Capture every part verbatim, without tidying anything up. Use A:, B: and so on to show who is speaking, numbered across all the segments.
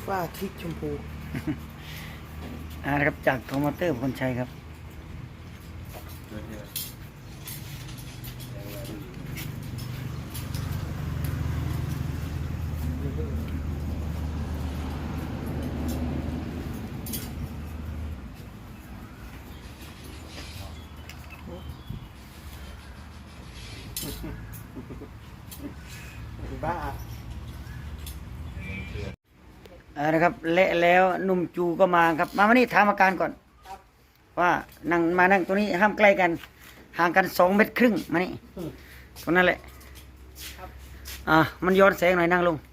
A: ฝ้าทิกชมพู
B: อ่าครับจากโทมอเตอร์คนชัยครับ
A: บ้า
B: อ่านะครับเละแล้วหนุ่มจูก็มาครับมาวันนี้ถามอาการก่อนว่านั่งมานั่งตัวนี้ห้ามใกล้กันห่างกันสองเมตรครึ่งมานี่ตรงนั้นแหละอ่ามันย้อนแสงหน่อยนั่งลง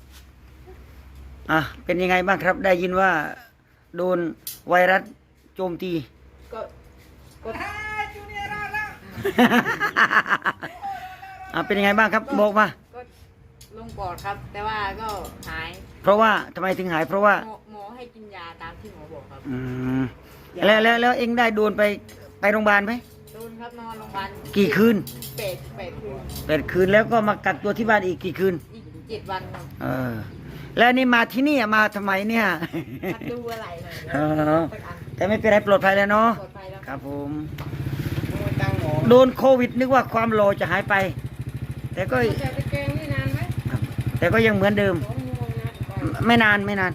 B: อ่าเป็นยังไงบ้างครับได้ยินว่าโดนไวรัสโจมตี
C: ก็ก็จูเนียร์แล้ว
B: อ่าเป็นยังไงบ้างครับบอกมา
C: ก็ลงปอดครับ แต่ว่าก็หาย
B: เพราะว่าทำไมถึงหายเพราะว่า
C: หมอหมอให้กินยาตามที่หมอบอกครับ
B: อืมแล้วแล้วแล้วเองได้โดนไปไปโรงพยาบาลไหม
C: โดนครับนอนโรงพยาบาล
B: กี่คืน
C: แปดแปดคืน
B: แปดคืนแล้วก็มากักตัวที่บ้านอีกกี่คืน
C: อีกเจ็ดวันครับ
B: เออแล้วนี่มาที่นี่มาทำไมเนี่ย
C: มาดูอะไรหน่อย
B: เออแต่ไม่เป็นไรปลอดภัยแล้วเนาะ
C: ปลอดภัยแล้ว
B: ครับผม
A: ตั้งหมอ
B: โดนโควิดนึกว่าความโลจะหายไปแต่ก็
C: จะไปเกงนี่นานไหม
B: แต่ก็ยังเหมือนเดิมไม่นานไม่นาน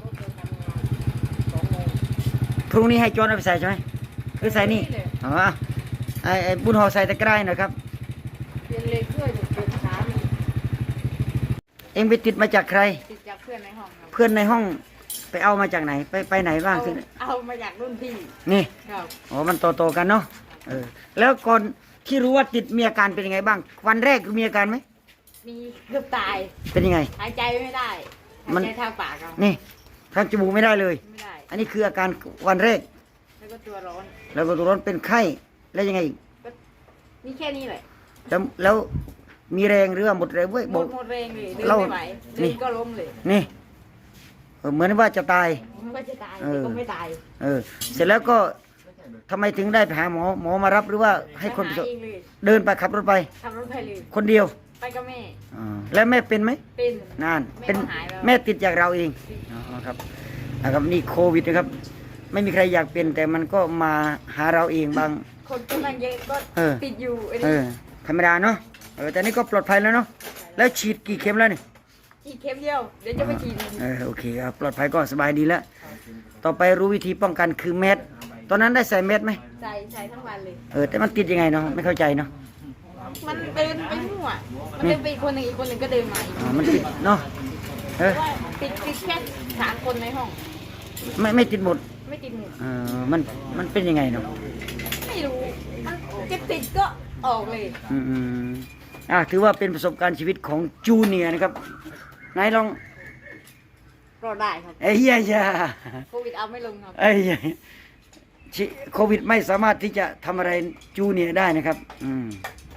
B: พรุ่งนี้ให้โจนเอาไปใส่ใช่ไหมหรือใส่นี่อ๋อไอ้ไอ้บุญห่อใส่ตะกร้าหน่อยครับ
C: เป็นเลยเพื่อนเป็นขา
B: เอ็งไปติดมาจากใคร
C: ติดจากเพื่อนในห้องครับ
B: เพื่อนในห้องไปเอามาจากไหนไปไปไหนบ้าง
C: เอาเอามาจากรุ่นพี่
B: นี่
C: ครับ
B: อ๋อมันโตโตกันเนาะเออแล้วก่อนที่รู้ว่าติดมีอาการเป็นยังไงบ้างวันแรกมีอาการไหม
C: มีเกือบตาย
B: เป็นยังไง
C: หายใจไม่ได้หายใจทางปากครับ
B: นี่ทางจมูกไม่ได้เลย
C: ไม่ได้
B: อันนี้คืออาการวันแรก
C: แล้วก็ตัวร้อน
B: แล้วก็ตัวร้อนเป็นไข้แล้วยังไงอีก
C: มีแค่นี้แหละ
B: แล้วแล้วมีแรงหรือว่าหมดแรงเว้ย
C: หมดหมดแรงเลยเดินไม่ไหวเดินก็ล้มเลย
B: นี่เหมือนว่าจะตาย
C: ว่าจะตายแต่ก็ไม่ตาย
B: เออเสร็จแล้วก็ทำไมถึงได้ไปหาหมอหมอมารับหรือว่าให้คนเดินไปขับรถไป
C: ขับรถไปเลย
B: คนเดียว
C: ไปกับแม่
B: แล้วแม่เป็นไหม
C: เป็น
B: นานเป็นแม่ติดจากเราเองอ๋อครับนะครับนี่โควิดนะครับไม่มีใครอยากเป็นแต่มันก็มาหาเราเองบาง
C: คนกำลังเยอะก็ติดอยู่
B: เออธรรมดาเนาะเออแต่นี่ก็ปลอดภัยแล้วเนาะแล้วฉีดกี่เข็มแล้วนี่
C: ฉีดเข็มเดียวเดี๋ยวจะไปฉีด
B: เออโอเคครับปลอดภัยก็สบายดีแล้วต่อไปรู้วิธีป้องกันคือแมสตอนนั้นได้ใส่แมสไหม
C: ใส่ใส่ทั้งวันเลย
B: เออแต่มันติดยังไงเนาะไม่เข้าใจเนาะ
C: มันเดินไปมั่วมันเดินไปคนหนึ่งอีกคนหนึ่งก็เดินมา
B: อ๋อมันติดเนาะ
C: เออติดติดแค่สามคนในห้อง
B: ไม่ไม่ติดหมด
C: ไม่ติดหมด
B: เออมันมันเป็นยังไงเนาะ
C: ไม่รู้มันจะติดก็ออกเลย
B: อืมอืมอ่ะถือว่าเป็นประสบการณ์ชีวิตของจูเนียร์นะครับนายลอง
C: รอได้ครับ
B: เอ้ยยา
C: โควิดเอาไม่ลงครับ
B: เอ้ยโควิดไม่สามารถที่จะทำอะไรจูเนียร์ได้นะครับอืม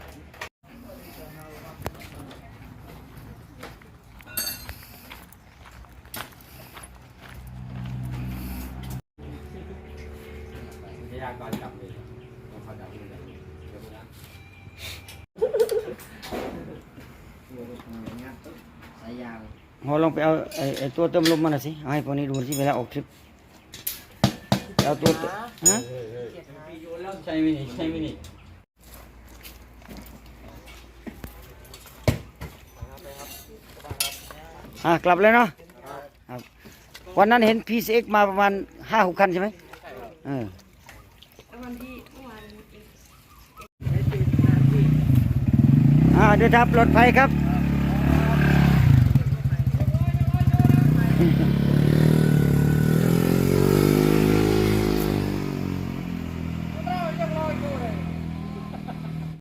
B: พอลองไปเอาไอ้ไอ้ตัวเติมลมมาหน่อยสิให้พวกนี้ดูสิเวลาออกทริปเอาตัวฮะใช่ไหมนี่ใช่ไหมนี่อ่ะกลับเลยเนาะครับวันนั้นเห็น พี ซี เอ็กซ์ มาประมาณห้าหกคันใช่ไหมเอออ่าเดินทางปลอดภัยครับ